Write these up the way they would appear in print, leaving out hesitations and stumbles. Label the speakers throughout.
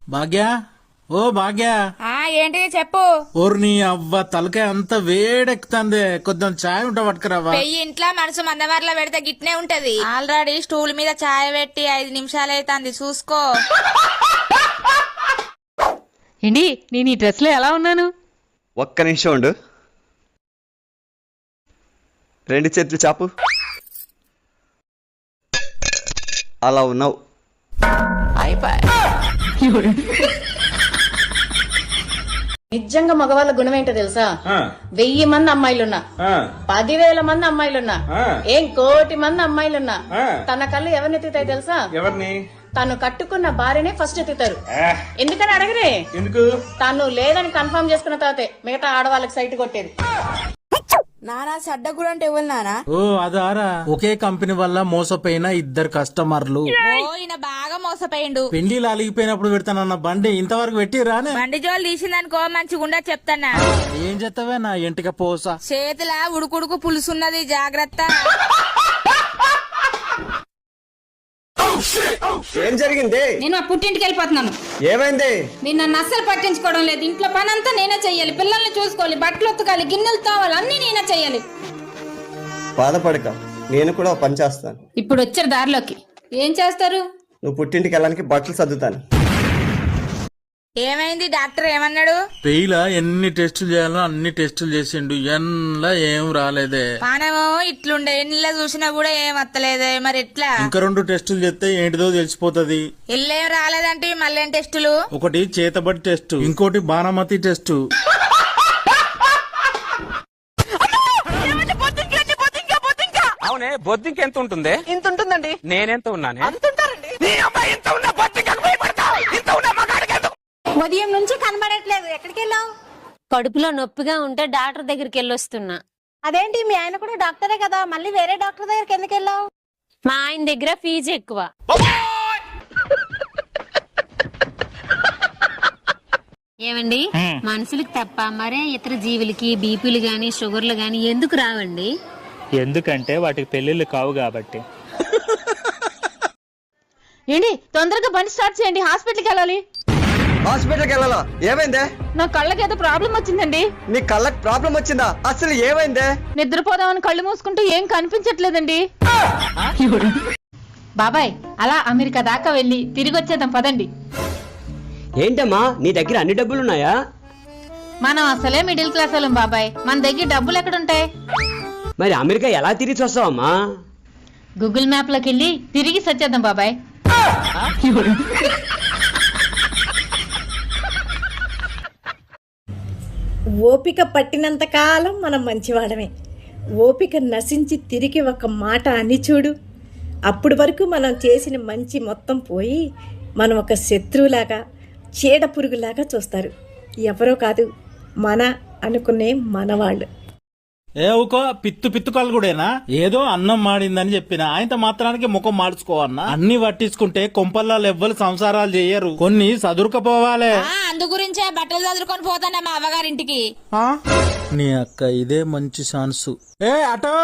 Speaker 1: భాగ్య ఓ భాగ్య
Speaker 2: ఏంటి చెప్పు.
Speaker 1: ఓర్ని అవ్వ తలకాయ అంత వేడెక్కుతుంది, కొంచెం చాయ్ ఉంటా పట్టుకురావా?
Speaker 2: పెయ్యి ఇంట్లో మనసు మందమర్లో పెడితే గిట్నే ఉంటది. ఆల్రెడీ స్టూల్ మీద చాయ్ పెట్టి 5 నిమిషాలు అవుతుంది, చూసుకో.
Speaker 3: ఏంటి నేను ఈ డ్రెస్ లో ఎలా ఉన్నాను?
Speaker 4: ఒక్క నిమిషం ఉండు. 2 చేతులు చాపు. అలా ఉన్నావు.
Speaker 5: నిజంగా మగవాళ్ళ గుణం ఏంటో తెలుసా? 1000 మంది అమ్మాయిలున్నా, 10,000 మంది అమ్మాయిలున్నా, ఏం 1,000,000 మంది అమ్మాయిలున్నా తన కళ్ళు ఎవరిని ఎత్తుతాయి తెలుసా?
Speaker 1: ఎవరిని?
Speaker 5: తను కట్టుకున్న భార్యనే ఫస్ట్ ఎత్తుతారు. ఎందుకని అడగరే?
Speaker 1: ఎందుకు?
Speaker 5: తను లేదని కన్ఫర్మ్ చేసుకున్న తర్వాతే మిగతా ఆడవాళ్ళకి సైట్ కొట్టేది.
Speaker 2: నానా సడ్డగుడు అంటే ఎవరు నానా?
Speaker 1: ఓ అదారా, ఒకే కంపెనీ వల్ల మోసపోయిన 2 కస్టమర్లు.
Speaker 2: ఈయన బాగా మోసపోయిండు.
Speaker 1: పెళ్లిలు అలిగిపోయినప్పుడు పెడతానన్న బండి ఇంతవరకు పెట్టి రానే.
Speaker 2: బండి జోలు తీసిందనుకో మంచిగుండా చెప్తానా.
Speaker 1: ఏం చేస్తావే నా ఇంటికి పోస.
Speaker 2: చేతిలా ఉడుకుడుకు పులుసున్నది, జాగ్రత్త.
Speaker 4: ఏం జరిగింది?
Speaker 6: నేను మా పుట్టింటికి వెళ్ళిపోతున్నాను.
Speaker 4: ఏమైంది?
Speaker 6: మీరు నన్ను అస్సలు పట్టించుకోవడం లేదు. ఇంట్లో పని అంతా నేనే చెయ్యాలి, పిల్లల్ని చూసుకోవాలి, బట్టలు ఉతకాలి, గిన్నెలు తోవాలి, అన్ని నేనే చెయ్యాలి.
Speaker 4: బాధపడక, నేను కూడా పని చేస్తాను.
Speaker 6: ఇప్పుడు వచ్చారు దారిలోకి. ఏం చేస్తారు?
Speaker 4: నువ్వు పుట్టింటికి వెళ్ళడానికి బట్టలు సర్దుతాను.
Speaker 2: ఏమైంది? డాక్టర్ ఏమన్నాడు?
Speaker 1: పెయిలా ఎన్ని టెస్టులు చేయాలో అన్ని టెస్టులు చేసిండు, ఎన్లా ఏం రాలేదే.
Speaker 2: పానము ఇట్లుండే, ఎన్నిలా చూసినా కూడా ఏం వత్తలేదే, మరి ఎట్లా?
Speaker 1: ఇంకా 2 టెస్టులు చేస్తే ఏంటిదో తెలిసిపోతది.
Speaker 2: ఎల్లేం రాలేదంటే మళ్ళీ టెస్టులు?
Speaker 1: ఒకటి చేతబడి టెస్ట్, ఇంకోటి బాణమతి టెస్ట్.
Speaker 7: అవునే, బొద్దింక ఎంత ఉంటుంది?
Speaker 5: ఇంత ఉంటుందండి.
Speaker 7: నేనెంత ఉన్నానే?
Speaker 6: ఉదయం నుంచి కనబడట్లేదు, ఎక్కడికి వెళ్ళావు?
Speaker 8: కడుపులో నొప్పిగా ఉంటే డాక్టర్ దగ్గరికి వెళ్ళొస్తున్నా.
Speaker 6: అదేంటి, మీ ఆయన కూడా డాక్టరే కదా, మళ్ళీ వేరే డాక్టర్ దగ్గరికి ఎందుకు వెళ్ళావు?
Speaker 8: మా ఆయన దగ్గర ఫీజు ఎక్కువ. ఏమండి, మనుషులకు తప్ప మరే ఇతర జీవులకి బీపీలు గాని షుగర్లు గాని ఎందుకు రావండి?
Speaker 9: ఎందుకంటే వాటికి పెళ్లిళ్ళు కావు కాబట్టి.
Speaker 3: ఏంటి తొందరగా బండి స్టార్ట్ చేయండి, హాస్పిటల్కి వెళ్ళాలి.
Speaker 4: హాస్పిటల్కి వెళ్ళాలా? ఏమైందే?
Speaker 3: నా కళ్ళకి ఏదో ప్రాబ్లం వచ్చిందండి.
Speaker 4: నీ కళ్ళకి ప్రాబ్లం వచ్చిందా? అసలు ఏమైందే?
Speaker 3: నిద్రపోదామని కళ్ళు మూసుకుంటూ ఏం కనిపించట్లేదండి. బాబాయ్, అలా అమెరికా దాకా వెళ్ళి తిరిగి వచ్చేద్దాం పదండి.
Speaker 10: ఏంటమ్మా, నీ దగ్గర అన్ని డబ్బులున్నాయా?
Speaker 3: మనం అసలే మిడిల్ క్లాస్ వాళ్ళం బాబాయ్, మన దగ్గర డబ్బులు ఎక్కడుంటాయి?
Speaker 10: మరి అమెరికా ఎలా తిరిగి వస్తావమ్మా?
Speaker 3: గూగుల్ మ్యాప్ లోకి వెళ్ళి తిరిగి వచ్చేద్దాం బాబాయ్.
Speaker 5: ఓపిక పట్టినంత కాలం మనం మంచివాడమే. ఓపిక నశించి తిరిగి ఒక మాట అని చూడు, అప్పటి వరకు మనం చేసిన మంచి మొత్తం పోయి మనం ఒక శత్రువులాగా, చీడ పురుగులాగా చూస్తారు. ఎవరో కాదు, మన అనుకునే మనవాళ్ళు.
Speaker 1: ఏ ఊకో, పిత్తు కాళ్ళు కూడానా? ఏదో అన్నం మాడిందని చెప్పిన ఆయనతో మాత్రానికి ముఖం మార్చుకోవన్నా. అన్ని పట్టించుకుంటే కొంపల్లో ఎవ్వరు సంసారాలు చెయ్యరు, కొన్ని సదురుకపోవాలే.
Speaker 2: అందు గురించే బట్టలు చదువుకొని పోతానా మా అవ్వగారింటికి.
Speaker 1: నీ అక్క ఇదే మంచి ఛాన్సు. ఏ అటో.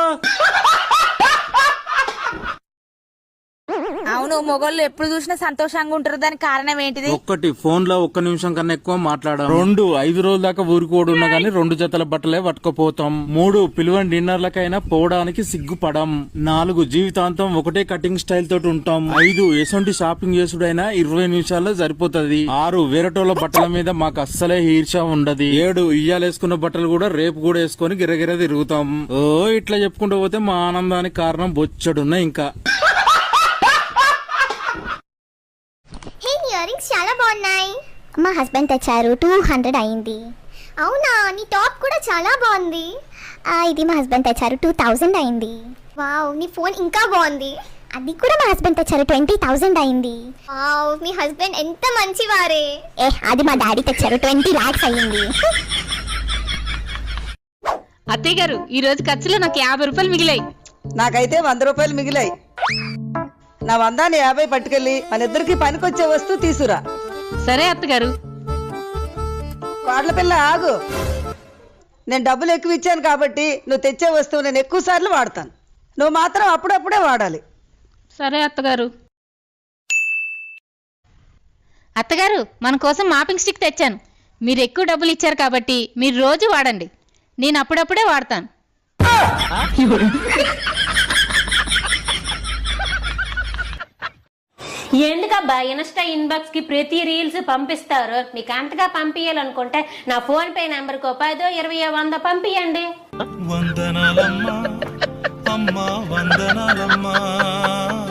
Speaker 2: అవును, మొగోళ్ళు ఎప్పుడు చూసినా సంతోషంగా ఉంటారు, దానికి కారణం ఏంటిది?
Speaker 1: 1 ఫోన్ లో 1 నిమిషం కన్నా ఎక్కువ మాట్లాడాం. 2 5 రోజుల దాకా ఊరుకోడు ఉన్నా గానీ 2 జతల బట్టలే పట్టుకుపోతాం. 3 పిలువని డిన్నర్లకైనా పోవడానికి సిగ్గుపడం. 4 జీవితాంతం ఒకటే కటింగ్ స్టైల్ తోటి ఉంటాం. 5 ఎసొంటి షాపింగ్ చేసుడైనా 20 నిమిషాల్లో సరిపోతది. 6 వేరటోళ్ళ బట్టల మీద మాకు అస్సలే ఈర్ష ఉండదు. 7 ఇయ్యాలేసుకున్న బట్టలు కూడా రేపు కూడా వేసుకుని గిరగిర తిరుగుతాం. ఓ ఇట్లా చెప్పుకుంటూ పోతే మా ఆనందానికి కారణం బొచ్చడున్నా. ఇంకా
Speaker 11: ఇయరింగ్స్ చాలా బాగున్నాయి. మా హస్బెండ్ తెచ్చారు, 200 అయింది. అవునా, నీ టాప్ కూడా చాలా బాగుంది. ఇది మా హస్బెండ్ తెచ్చారు, 2000 అయింది. వావ్, నీ ఫోన్ ఇంకా బాగుంది. అది కూడా మా హస్బెండ్ తెచ్చారు, 20,000 అయింది. వావ్, మీ హస్బెండ్ ఎంత మంచివారే. అది మా డాడీ తెచ్చారు, 20 lakhs అయింది.
Speaker 3: అత్తయ్య గారు, ఈ రోజు ఖర్చులో నాకు 50 రూపాయలు మిగిలాయి.
Speaker 5: నాకైతే 100 రూపాయలు మిగిలాయి. నా 100ని 50 పట్టుకెళ్ళి మన ఇద్దరికి పనికొచ్చే వస్తువు తీసురా.
Speaker 3: సరే అత్తగారు.
Speaker 5: వాడ్ల పిల్ల ఆగు, నేను డబ్బులు ఎక్కువ ఇచ్చాను కాబట్టి నువ్వు తెచ్చే వస్తువు నేను ఎక్కువ సార్లు వాడతాను, నువ్వు మాత్రం అప్పుడప్పుడే వాడాలి.
Speaker 3: సరే అత్తగారు. అత్తగారు మన కోసం మాపింగ్ స్టిక్ తెచ్చాను. మీరు ఎక్కువ డబ్బులు ఇచ్చారు కాబట్టి మీరు రోజు వాడండి. నేను అప్పుడప్పుడే వాడతాను.
Speaker 8: ఎందుకబ్బా ఇన్స్టా ఇన్బాక్స్ కి ప్రతి రీల్స్ పంపిస్తారు? మీకు అంతగా పంపించాలనుకుంటే నా ఫోన్ పే నెంబర్ కు 10, 20, 100 పంపియండి.
Speaker 1: వందనాలమ్మా అమ్మా వందనాలమ్మా.